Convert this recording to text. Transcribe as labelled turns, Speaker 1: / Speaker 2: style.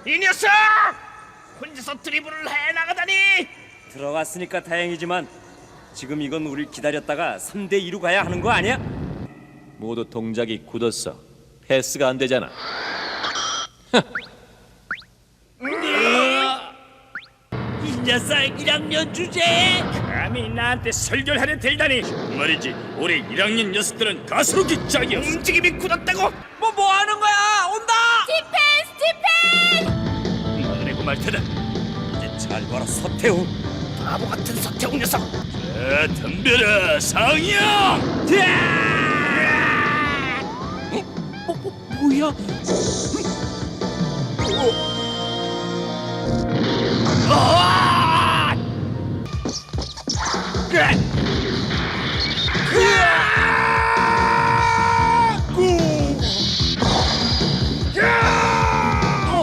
Speaker 1: 이 녀석! 혼자서 드리블을 해나가다니!
Speaker 2: 들어갔으니까 다행이지만 지금 이건 우릴 기다렸다가 3대2로 가야 하는 거 아니야?
Speaker 3: 모두 동작이 굳었어. 패스가 안 되잖아.
Speaker 2: 이 녀석 1학년 주제에
Speaker 1: 감히 나한테 설교를 들다니.
Speaker 4: 말이지, 올해 1학년 녀석들은 가스로기 짝이었어.
Speaker 1: 움직임이 굳었다고.
Speaker 2: 뭐 하는 거야? 온다!
Speaker 1: 막내고 말 테다.
Speaker 2: 이제 잘 봐라 서태웅.
Speaker 1: 바보 같은 서태웅 녀석.
Speaker 4: 자, 덤벼라, 상이야!
Speaker 2: 뭐야?